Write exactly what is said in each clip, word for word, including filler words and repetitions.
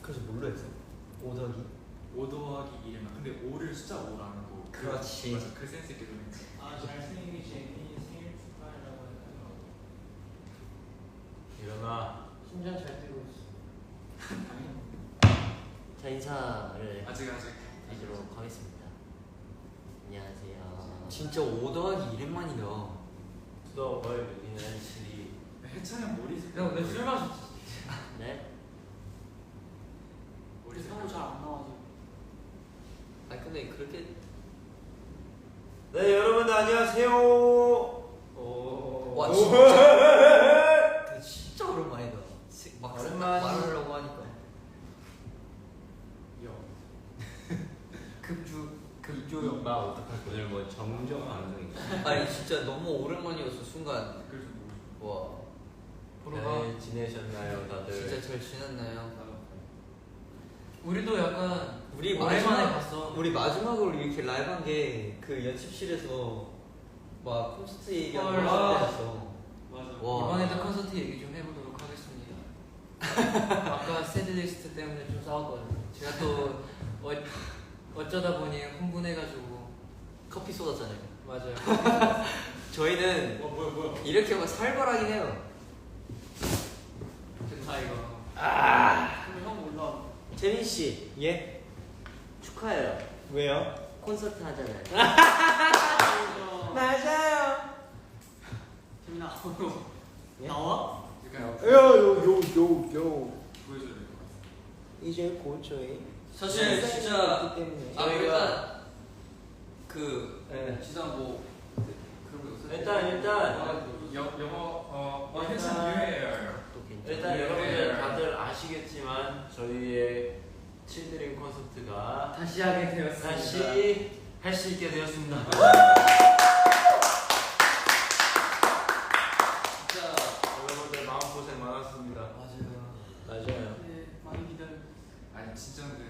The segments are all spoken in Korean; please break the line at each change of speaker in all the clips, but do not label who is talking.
그래서 뭘로 했어? 오 더하기?
오 더하기 일이면 근데 오를 숫자 오라는 거.
그렇지.
맞아, 그 센스 있게 좀 했지.
아 잘생긴 제니 생일 축하하려고 했다가
일어나.
심장 잘 뛰고 있어.
자, 인사를
아직 아직
드리도록 하겠습니다. 안녕하세요.
진짜 오 더하기 일만이다.
너 뭘 느끼는 실이.
해찬이 형 머리 색깔.
형 왜 술 마셨지?
네?
머리 색깔.
형은 잘안 나와서.
아니 근데 그렇게
네 여러분들 안녕하세요. 오.
와 진짜 근데 진짜 오랜만이다. 막
오랜만이.
말하려고 하니까
여.
급주 급조용.
나 어떡할 거야? 오늘 뭐 정정 방송인가?
아니 진짜 너무 오랜만이었어 순간.
댓글 좀 보고
와
보러가.
잘 지내셨나요 다들?
진짜 잘 지냈나요?
싶다.
우리도 약간
우리
오랜만에
마지막
봤어.
우리 마지막으로 이렇게 라이브한 게 그 연습실에서 막 콘서트 얘기하고
헐.
했어.
맞아.
와.
이번에도 콘서트 얘기 좀 해보도록 하겠습니다. 아까 세드리스트 때문에 좀 싸웠거든요. 제가 또 어, 어쩌다 보니 흥분해가지고
커피 쏟았잖아요.
맞아요.
저희는
어 뭐야 뭐야.
이렇게 하면 살벌하긴 해요.
된다 이거.
아
근데 형 몰라.
재민 씨
예?
축하해요.
왜요?
콘서트 하잖아요.
맞아요.
재민아
예?
나와?
약간
요요요요
보여줘야 될 것 같아.
이제 고쳐해.
사실 진짜
때문에
아 일단 그
네.
지상 뭐 그런 거 있어요?
일단 일단
여 영어 어 어,
일단-
해찬 유해예요.
또 괜찮아.
일단
네.
여러분들 다들 아시겠지만 저희의 칠드림 콘서트가
다시 하게 되었습니다.
다시 할 수 있게 되었습니다.
진짜
여러분들 마음고생 많았습니다.
맞아요.
맞아요.
네 많이 기다려.
아니 진짜 근데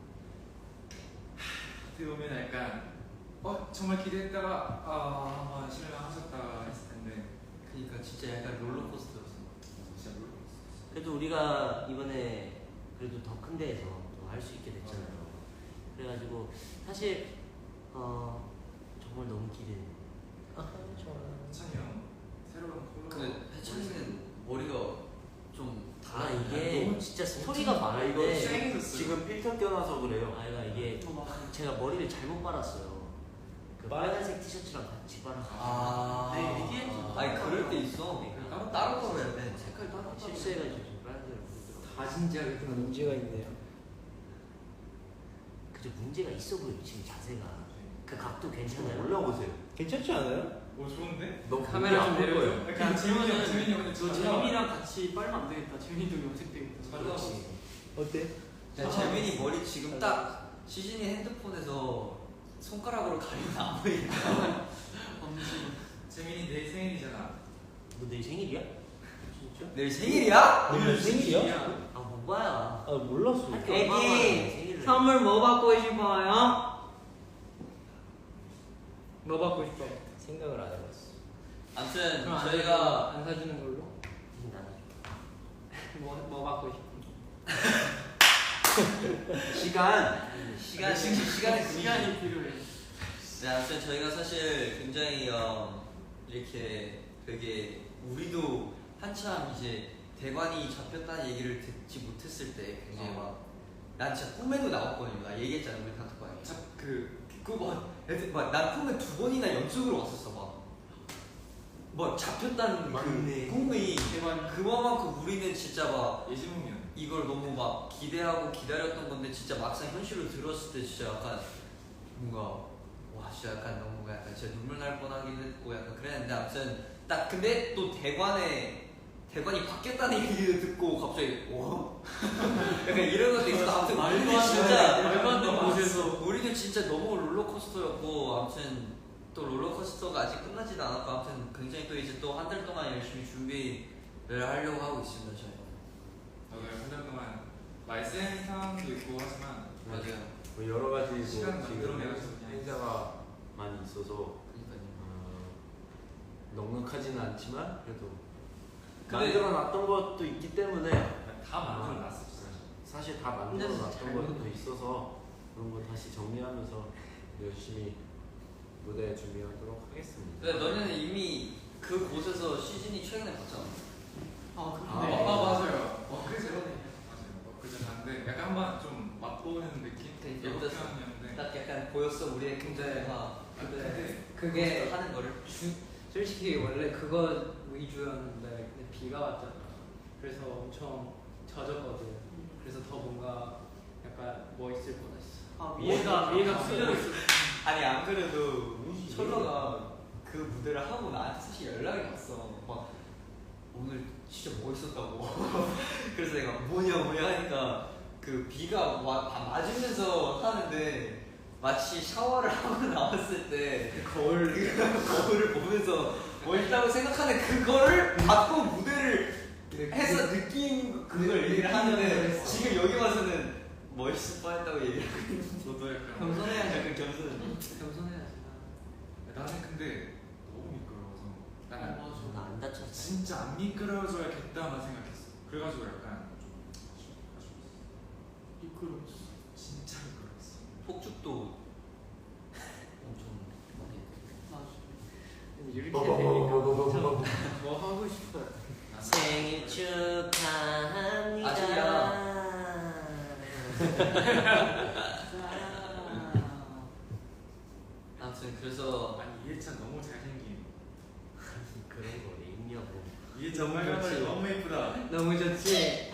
하, 어떻게 보면 약간 어 정말 기대했다가 아, 아 실망하셨다 했을 텐데
그러니까 진짜 약간 롤러코스터였어.
진짜 모르겠어.
그래도 우리가 이번에 그래도 더 큰 데에서 또 할 수 있게 됐잖아요. 그래가지고 사실 어 정말 너무 기대.
아 좋아.
해찬이 형 새로운 컬러.
근데 해찬이는 머리가 좀
아
달라.
이게
너무
진짜 스토리가
아 이거
많은데
쌩해졌어요.
지금 필터 껴놔서 그래요.
아이가 이게 제가 머리를 잘못 빨았어요. 그 빨간색 티셔츠랑 같이 빨아서
아.
네, 이게
아니 그럴 때 있어.
네,
따로 따로 걸어야 돼. 색깔 따로 따로.
실수해가지고 지금 빨간색을 부르더라고요.
다 진지하게 그 문제가 있네요.
그저 문제가 있어 보여 지금 자세가. 그 각도 괜찮아요?
올려보세요.
괜찮지 않아요?
오 좋은데?
너
카메라 좀
볼 거예요.
내려줘.
약간 재민이 형 재민이 형 근데
너
잘 나와.
재민이랑 같이 빨면 안 되겠다. 재민이도 염색되겠다.
잘 나와.
어때? 야, 재민이 머리 지금 딱 시즌이 핸드폰에서 손가락으로 가리면 안 보이니까.
엄지.
재민이 내일 생일이잖아.
너 내일 생일이야?
진짜? 내일 생일이야?
오늘
생일이야?
아 뭐야?
아 몰랐어.
할게 얼마나 많아, 생일을.
선물 뭐 받고 싶어요? 뭐 받고 싶어?
생각을 안 해봤어. 아무튼
그럼 안
저희가
사주는- 안 사주는 걸로?
나는
뭐, 뭐 받고 싶어?
시간.
시간 시간이
시간이 필요해.
네, 아무튼 저희가 사실 굉장히 어, 이렇게 되게 우리도 한참 이제 대관이 잡혔다는 얘기를 듣지 못했을 때 굉장히
어.
막난 진짜 꿈에도 나왔거든요. 나 얘기했잖아 우리 단톡방에.
그
그막 애들 막난 꿈에 두 번이나 연속으로 왔었어 막. 뭐 잡혔다는
맞네.
그 꿈이
대관
그만큼 우리는 진짜 막
예지몽이야.
이걸 너무 막 기대하고 기다렸던 건데 진짜 막상 현실로 들었을 때 진짜 약간 뭔가 와 진짜 약간 너무 약간 진짜 눈물 날 뻔하긴 했고 약간 그랬는데 아무튼 딱 근데 또 대관에 대관이 바뀌었다는 얘기를 듣고 갑자기 와 약간 이런 것도 있어. 아무튼
말도
우리는
안
진짜
되는 말도 안 되는 곳에서
우리는 진짜 너무 롤러코스터였고 아무튼 또 롤러코스터가 아직 끝나지도 않았고 아무튼 굉장히 또 이제 또 한 달 동안 열심히 준비를 하려고 하고 있습니다 저희.
맞아요. 한 달 동안 말센 상황도 있고 하지만
맞아요.
뭐 여러 가지 뭐
시간
지금
만들어내가지고 그냥
행사가 많이 있어서
그러니까요.
어, 넉넉하지는 않지만 그래도
근데-
만들어놨던 것도 있기 때문에
다 만들어놨어 진짜.
사실 다 만들어 놨던 것도 있어서 그런 거 다시 정리하면서 열심히 무대 준비하도록 하겠습니다.
근데 너네는 이미 그 곳에서 시즌이 최근에 봤잖아.
아,
아
아,
그런데
아 맞아요. 엊그제 맞아요. 엊그제 봤는데 약간 한번 좀 맛보는 느낌?
되게
예고
어땠어?
편이었는데
딱 약간 보였어 우리의 긍정화.
근데
그게
하는 거를.
주, 솔직히 원래 그거 위주였는데 근데 비가 왔잖아. 그래서 엄청 젖었거든. 그래서 더 뭔가 약간 멋있을 뻔했어.
아
위에가 위에가 풀려있어.
아니 안 그래도 철러가 그 무대를 하고 나한테 사실 연락이 왔어. 막 오늘 진짜 멋있었다고. 그래서 내가 뭐냐 뭐냐 하니까 그 비가 와, 다 맞으면서 하는데 마치 샤워를 하고 나왔을 때 거울 거울을 보면서 멋있다고 생각하는 그거를 받고 무대를 해서 느낀 그걸 얘기를 하는데 지금 여기 와서는 멋있을 뻔했다고 얘기하고 있는
저도 약간
겸손해야지.
약간 겸손.
겸손해야지.
나는 근데 너무 미끄러워서 나는
나안 다쳤어.
진짜 안 미끄러워져야겠다만 생각했어. 그래가지고 약간 좀 아쉬워. 아쉬웠어.
미끄러웠어.
진짜 미끄러웠어.
폭죽도 엄청
맞아.
이렇게 되니까 진짜 뭐 하고 싶어요.
생일 축하합니다.
아직이야. 아무튼 그래서
아니 이해찬 너무 잘생김.
그런 거 왜 있냐고.
이해찬 빨간머리 너무 예쁘다.
너무 좋지.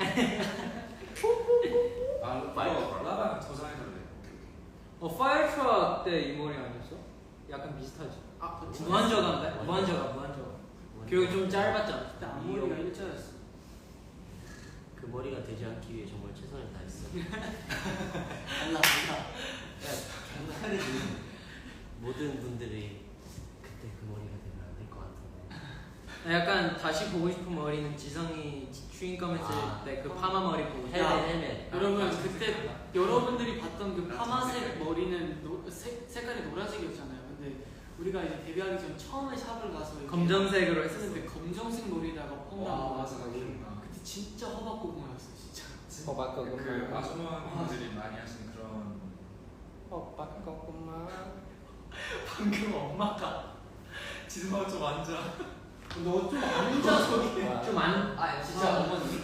아
파이어
이거 라방 저장해달래.
어 파이어트럭 때 이 머리 아니었어? 약간 비슷하지. 아 무한저가인데? 무한저가 무한저가. 그리고 좀 짧았잖아.
그때 앞머리가 일자였어.
그 머리가 되지 않기 위해 정말 최선을 다했어.
달라 달라.
장난이지.
모든 분들이 그때 그 머리가 되면 안 될 것 같은데.
약간 다시 보고 싶은 머리는 지성이 추인검 했을
아.
때 그 파마 머리 보고 싶어.
헬멧 헬멧.
여러분
아,
그때 여러분들이 봤던 그
나
파마색
진짜
머리는 노, 색, 색깔이 노란색이었잖아요. 근데 우리가 이제 데뷔하기 전 처음에 샵을 가서 이렇게
검정색으로 했었어.
했었는데 검정색 머리다가 펌
와
나온
맞아 나
거.
기억나.
그때 진짜 허벅고구마였어 진짜.
호박고구마.
그 아주머니들이 많이 하시는 그런.
호박고구마.
방금 엄마가
지수가 좀 앉아.
너 좀 앉아 저기.
좀 안.
아 진짜 어머니.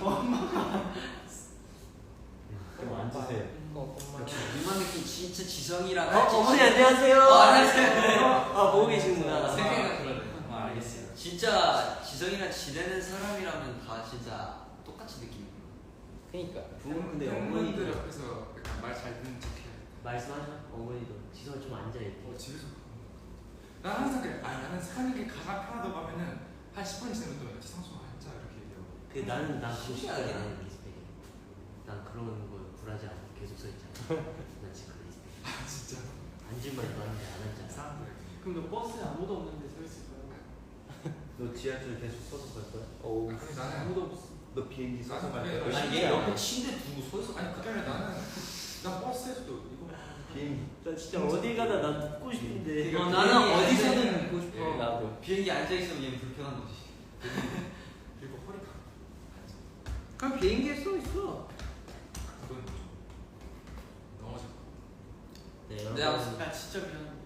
그럼 앉으세요.
이만 느낌 진짜 지성이랑
어, 어머니 안녕하세요.
어, 안녕하세요.
아 보고 계시는구나.
생각이 그러네. 아, 알겠어요. 진짜 지성이랑 지내는 사람이라면 다 진짜 똑같이 느끼는
그니까.
부모님 근데
어머니들
어머니들
옆에서 약간 말 잘 듣는 척해.
말씀하셔. 어머니도 지성 좀 앉아 있대.
어 집에서. 난 항상 그래. 아 나는 사는 게 가장 편하다고 하면은 한 십 분 지나면 또 지성수 앉아 이렇게 얘기하고.
그 나는 난 그거
신기하게.
싶어요. 나는 리스펙해. 난 그런 거 굴하지 않고 계속 서 있잖아. 난 지금 그 리스펙.
아 진짜.
앉을만 해도 앉는데 안 앉아.
사람들.
그럼 너 버스에 아무도 없는데 서 있을 거야.
너 지하철 계속 서서 갈 거야?
어. 아니 나는
아무도 없어.
너 비행기 서서 갈
나는
거야?
그냥-
아니 얘 옆에 침대 두고 서 있어.
아니 그게 아니라 나는 난 버스에서도 이거.
비행기.
나 진짜 어딜 가나 난 듣고 싶은데.
그러니까
어, 나는
비행기에
어디서든
앉아-
듣고 싶어.
예, 나도.
비행기 앉아 있으면 얘는 불편한 거지.
그리고 허리가.
그럼 비행기에 써 있어.
그건 좀 넘어질 거.
네
네,
여러분
아무튼
나 진짜 미안해.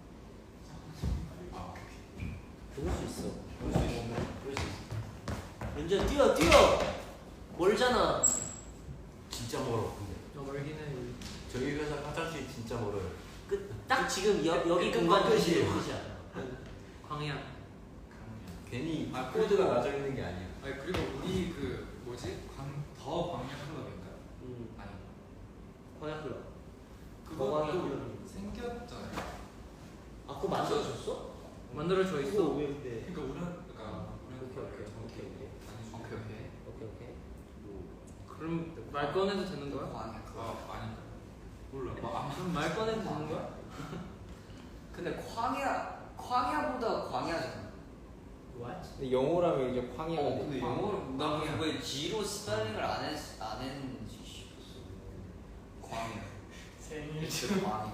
아 오케이.
볼 수 있어.
볼수 있어.
볼 수 있어. 연주야 뛰어 뛰어. 멀잖아.
진짜 멀어 근데.
너 멀긴 해.
저희 회사 화장실 진짜 멀어요.
끝딱 지금 여, 여기
끝-
공간
끝이에요.
끝이야.
광야.
강이야.
괜히
아,
코드가
그리고-
나져 있는 게 아니야.
아니 그리고 우리 그 뭐지 광더 광야 클럽인가?
음.
아니
광야 클럽.
그것도
광야 클럽.
생겼잖아요.
아 그거 만들어줬어?
만들어 줘 있어.
왜 근데?
그러니까 우리 그러니까 우리
오케이, 오케이, 오케이, 오케이.
오케이 오케이.
오케이 오케이.
그럼 말 꺼내도 되는 거야?
광야.
아 아닌가? 몰라. 아,
그럼 말 꺼내도 되는 거야?
근데 광야 광야보다 광야잖아.
What?
근데 영어라면 이제 광야가
어,
돼.
근데 영어를 나 그냥 왜 G로 스펠링을 안 했, 안 했는지 싶었어. 광야.
생일
광야.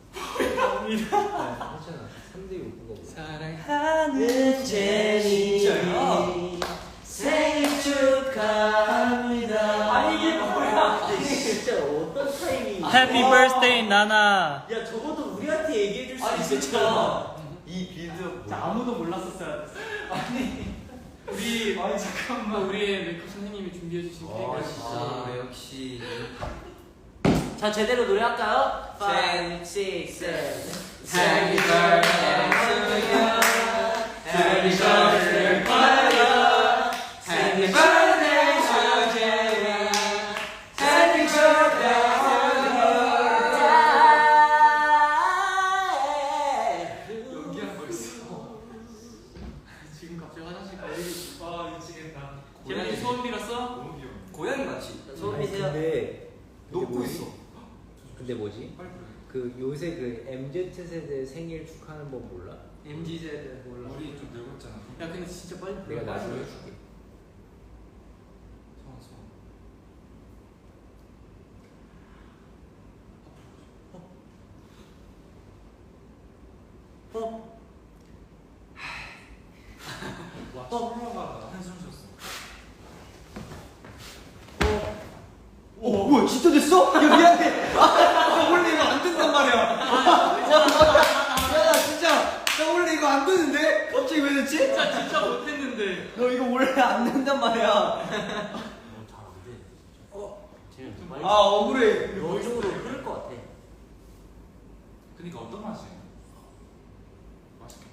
했잖아. 삼 대 욕구가 뭐야?
사랑하는 제니
진짜요?
생일 축하합니다.
아니, 이게 뭐야?
진짜 어떤 타이밍?
Happy birthday 나나.
야 저것도 우리한테 얘기해줄 수
아니
있었잖아.
진짜 이 빌드
자, 아무도 몰랐었어야 됐어. 아니 우리 아니 잠깐만 우리의 메이크업 선생님이 준비해 주신
아
케이크를
진짜 역시
자 제대로 노래할까요?
Ten,
five, six, seven.
Happy birthday to you. Happy birthday to you. Happy birthday to you. Happy birthday
연기한 거 있어.
지금 갑자기 화장실 가 얘기.
아 미치겠다.
재민이 소원 빌었어?
너무 귀여워.
고양이 맞지?
소원
아니,
비세요.
근데
녹고
근데
있어.
뭐지? 근데 뭐지?
빨리 부르게.
그 요새 그 엠지 세대 생일 축하하는 법 몰라?
엠지 세대 몰라.
우리 좀 늙었잖아.
야 근데 진짜 빨리 불러.
내가
빨리
나중에
불러.
해줄게.
소원 소원.
어?
와 솔로가 한숨 쉬었어.
어 뭐야 진짜 됐어? 야 미안해. 아 원래 이거 안 된단 말이야. 야나 진짜 나 원래 이거 안 되는데 갑자기 왜 됐지?
진짜 진짜 못했는데.
너 이거 원래 안 된단 말이야.
잘안 돼.
어.
재민 좀 빨리.
아 억울해.
너 쪽으로 흐를 것 같아.
그니까 어떤 맛이야? 맛있게.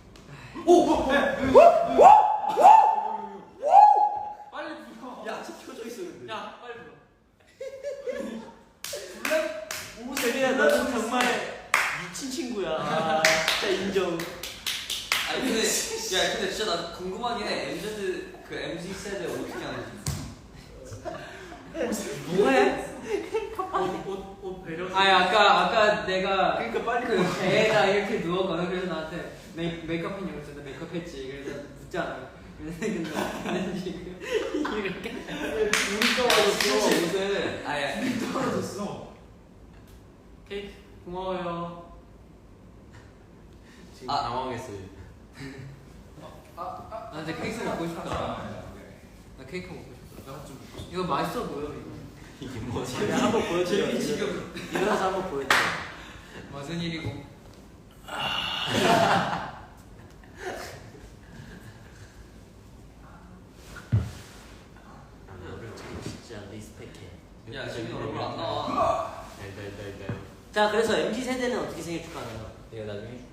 빨리 불러.
야 진짜 켜져 있어 근데.
야 빨리 불러.
오 재민아 너는 정말 미친 친구야. 아, 진짜 인정.
아니 근데 야 근데 진짜 나 궁금하긴 해. 엠지 그 엠지 세대 어떻게 하는지.
뭐해?
옷옷옷 배려.
아니 아까 아까 내가
그러니까 빨리
그 배에다 이렇게 누웠거든. 그래서 나한테 메이, 메이크업 했냐고 그래서 나 메이크업 했지. 그래서 묻잖아. 근데 근데 근데 지금 이렇게
우리 떨어졌어 요새. 아야.
떨어졌어.
케이크 고마워요.
지금
아.
당황했어요.
나 근데 케이크 먹고 싶다. 나 케이크 먹고 싶다.
나좀 먹고 싶어.
이거 맛있어 보여 이거.
이게 뭐지?
내가 한번 보여드려.
재민 지금
일어나서 한번 보여드려.
무슨 일이고?
아, 너를 참 진짜 리스펙해.
야 재민 얼굴 안 나와.
달달달달.
자 그래서 엠지 세대는 어떻게 생일 축하하나요?
내가 나중에 해줄게.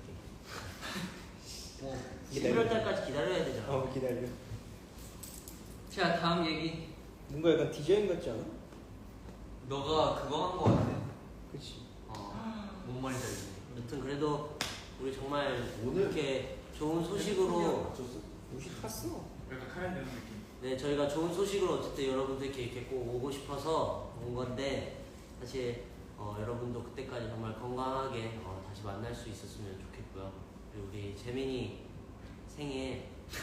십일월 달까지 기다려야 되잖아.
어 기다려.
자 다음 얘기.
뭔가 약간 디자인 같지 않아?
너가 그거 한 거 같아.
그치.
어뭔 말인지 알겠네.
여튼 그래도 우리 정말
오늘
이렇게 좋은 소식으로
맞췄어.
옷이 탔어.
약간 카레 되는 느낌.
네 저희가 좋은 소식으로 어쨌든 여러분들께 이렇게 꼭 오고 싶어서 온 건데 사실 어, 여러분도 그때까지 정말 건강하게 어, 다시 만날 수 있었으면 좋겠고요. 그리고 우리 재민이 생일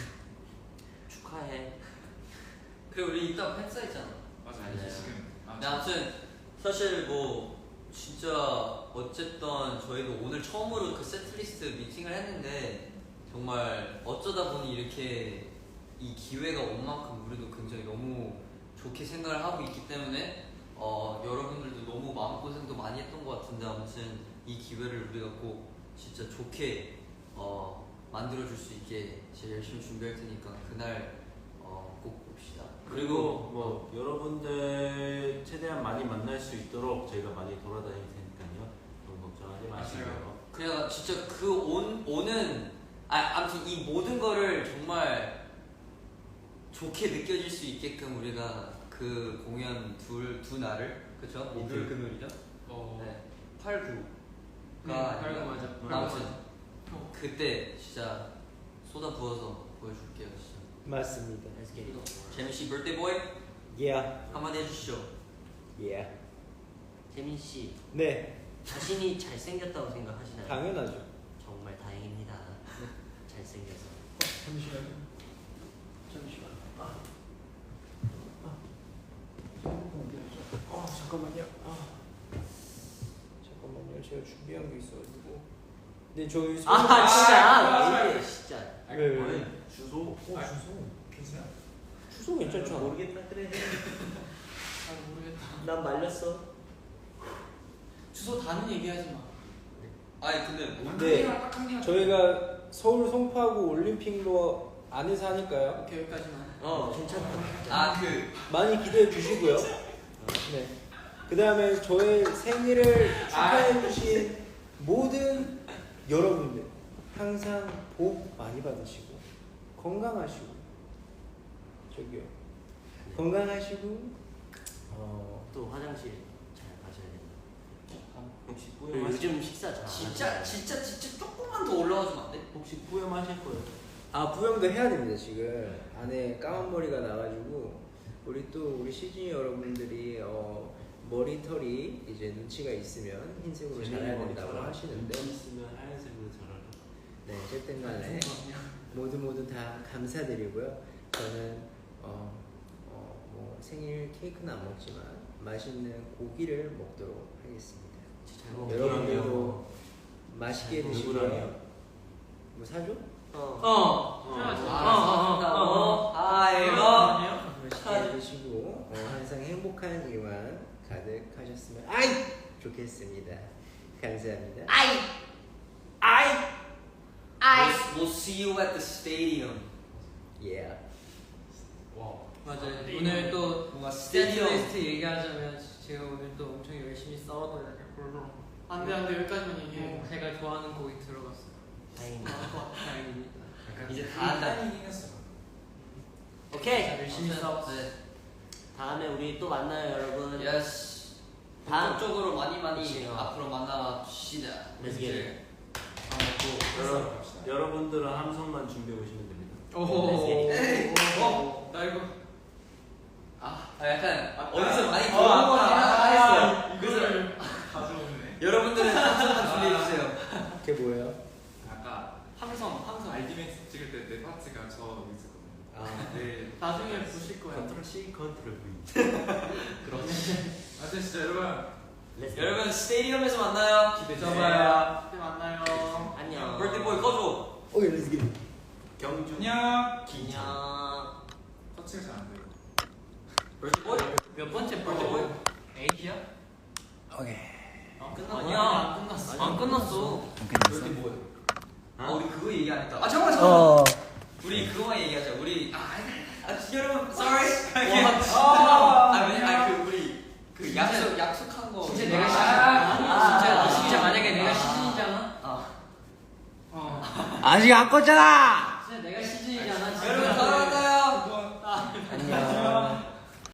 축하해.
그리고 우리 이따 팬사 있잖아.
맞아
네.
이제 지금. 아,
근데 아무튼 사실 뭐 진짜 어쨌든 저희도 오늘 처음으로 그 세트리스트 미팅을 했는데 정말 어쩌다 보니 이렇게 이 기회가 온 만큼 우리도 굉장히 너무 좋게 생각을 하고 있기 때문에 어, 여러분들도 너무 마음고생도 많이 했던 것 같은데 아무튼 이 기회를 우리가 꼭 진짜 좋게 어, 만들어줄 수 있게 제가 열심히 준비할 테니까 그날 어, 꼭 봅시다.
그리고 뭐 여러분들 최대한 많이 만날 수 있도록 저희가 많이 돌아다닐 테니까요. 너무 걱정하지 마시고요.
그냥 진짜 그 온, 오는 아, 아무튼 이 모든 거를 정말 좋게 느껴질 수 있게끔 우리가 그 공연 둘, 두 날을 그쵸? 목요일 금요일이죠?
어.
네 팔, 구가
네, 팔, 구 맞아. 팔, 구
아무튼
맞아.
그때 진짜 쏟아 부어서 보여줄게요 진짜.
맞습니다.
Let's get it.
재민씨 birthday boy
Yeah.
한마디 해주시죠.
Yeah.
재민 씨
네.
자신이 잘생겼다고 생각하시나요?
당연하죠.
정말 다행입니다. 잘생겨서.
잠시만요. 잠시만. 아. 아 잠깐만요. 아. 잠깐만요. 제가 준비한 게 있어가지고. 네 저희 소-
아 진짜
아,
왜 이래 진짜.
왜, 왜, 왜?
아니, 주소.
어 주소.
괜찮아?
주소 괜찮죠?
모르겠다 그래.
잘 모르겠다.
난 말렸어.
주소 다는 얘기하지 마.
아니 근데 뭐
네.
딱한 개만.
저희가 서울 송파구 올림픽로 안에서 하니까요.
오케이 여기까지만.
어 괜찮다.
아 그
많이 기대해 주시고요. 네. 그 다음에 저의 생일을 축하해 주신 모든 여러분들 항상 복 많이 받으시고 건강하시고 저기요 건강하시고 어
또 화장실 잘 가셔야 된다.
혹시
그리고
뿌염하실
요즘 식사 잘. 안
진짜
하잖아요.
진짜 진짜 조금만 더 올라가주면 안 돼?
혹시 뿌염하실 거예요?
아 부영도 해야 됩니다. 지금 안에 까만 머리가 나가지고 우리 또 우리 시즈니 여러분들이 어, 머리털이 이제 눈치가 있으면 흰색으로 자라야 된다고 하시는데
있으면 하얀색으로 자라라.
네 어쨌든 간에 모두 모두 다 감사드리고요. 저는 어, 어, 뭐 생일 케이크는 안 먹지만 맛있는 고기를 먹도록 하겠습니다.
잘 먹.
여러분들도 맛있게 드시고요.
누구랑요?
뭐 사줘?
어.
어.
해야지.
어, 아 이거
맛있게 드시고 어, 항상 행복한 일만 가득하셨으면 아이 좋겠습니다. 감사합니다.
아이 아이 아이 We'll see you at the stadium.
Yeah.
와.
맞아요. 오늘 또
뭔가
스탠드
스테디엄
리스트 얘기하자면 제가 오늘 또 엄청 열심히 싸웠거든요.
안돼 안돼 여기까지만 얘기해.
어, 제가 좋아하는 곡이 들어갔어요.
다행이다.
다행입니다.
이제 다 한다.
타이밍 했어.
오케이.
열심히 싸웠어.
네.
다음에 우리 또 만나요 여러분.
예스.
다음.
본격적으로 많이 많이
그치, 어.
앞으로 만나봅시다.
Let's get it.
여러, 여러분들은 함성만 준비해 오시면 됩니다.
오호.
에이.
어, 나 이거
아, 아 약간
아,
어디서 많이
아,
들어본
아,
거
아,
했어요.
이거를
가져오네.
여러분들은 함성만 준비해 주세요.
그게 뭐예요?
아까
항상 항상
알디맥스 찍을 때 내 파트가 저 여기 있었거든요.
아,
네.
나중에 보실 거예요.
컨트롤 C, 컨트롤 V.
그렇지. 아 진짜 여러분
Let's get it.
여러분 스테디움에서 만나요.
기대
잡아요.
그때 만나요.
안녕.
birthday boy 꺼줘.
오케이 렛츠 기.
경주.
안녕.
안녕.
터치가 잘 안 돼요.
birthday boy.
몇 번째
birthday boy.
에이지야?
오케이.
어,
끝났어.
아니야 안 끝났어.
안 끝났어.
birthday boy. 아
어?
우리 그거 얘기 안 했다. 아 잠깐만 잠깐만.
어.
우리 그거만 얘기하자. 우리 아, 아, 아 여러분 sorry.
아,
아 왜냐 아그 우리 그 약속 약속한 거.
진짜 내가 시즌.
아,
진짜
아,
진짜
아,
만약에 내가
아,
시즌이잖아.
아.
어.
아직 안 껐잖아.